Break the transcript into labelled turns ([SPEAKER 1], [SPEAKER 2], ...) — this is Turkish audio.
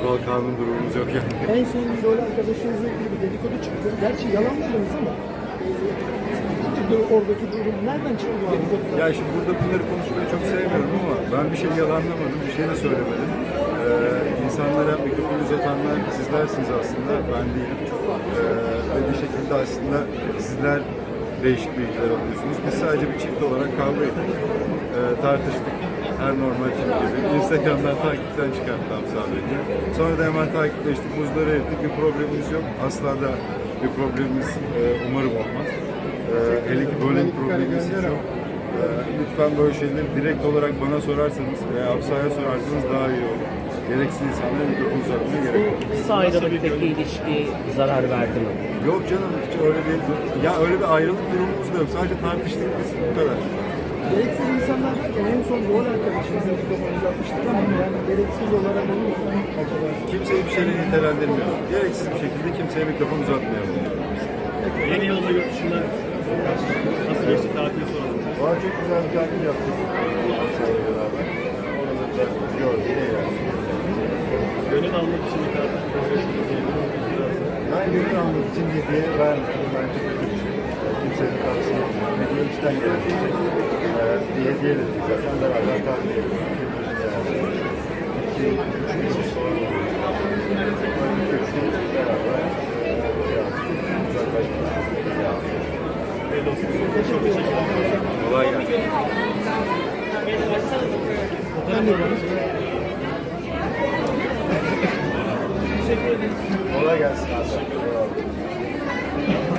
[SPEAKER 1] kural kanun durumumuz yok yani.
[SPEAKER 2] En son rol arkadaşınızla ilgili bir dedikodu çıktı. Gerçi yalanladınız ama oradaki durum nereden çıktı bu dedikodu?
[SPEAKER 1] Ya şimdi burada bunları konuşmayı çok sevmiyorum ama ben bir şey yalanlamadım, bir şey de söylemedim. İnsanlara mikrofonu uzatanlar sizlersiniz aslında, ben değilim. Ve bir şekilde aslında sizler değişik bilgiler alıyorsunuz. Biz sadece bir çift olarak kavga ettik. Tartıştık. Her normal çift gibi. Instagram'dan takipten çıkarttım sadece. Sonra da hemen takipleştik, buzları erittik. Bir problemimiz yok. Asla da bir problemimiz umarım olmaz. Hele ki böyle bir problemimiz yok. Lütfen böyle şeyleri direkt olarak bana sorarsanız veya Hafsa'ya sorarsanız daha iyi olur. Gereksiz insanlara mikrofon uzatmaya gerek yok.
[SPEAKER 3] Kısa ayrılıktaki ilişki zarar verdi mi?
[SPEAKER 1] Yok canım, hiç öyle bir, ya öyle bir ayrılık durumumuz da yok. Sadece tartıştık biz, bu kadar.
[SPEAKER 2] Gereksiz insanlar derken en son rol arkadaşınızla mikrofon uzatmıştık ama yani gereksiz olarak onu mu acaba?
[SPEAKER 1] Kimseyi bir şeyle nitelendirmiyorum. Gereksiz bir şekilde kimseye mikrofon uzatmayalım.
[SPEAKER 4] Yeni yılda yurt dışında nasıl geçti tatili soralım.
[SPEAKER 1] Valla çok güzel bir tatil yaptık. Hafsa'yla beraber. Orada da gördük yani.
[SPEAKER 4] Gönül almak için bir tatil programı
[SPEAKER 1] Ben gönül almak için hediye vermedim. Bence kötü bir şey. Kimsenin tavsiye etmiyorum. Hediye içten gelecek. Bir hediye de değil. Zaten beraber tatil yapıyoruz. İki, üç gün sonra beraber kolay gelsin. Kolay gelsin.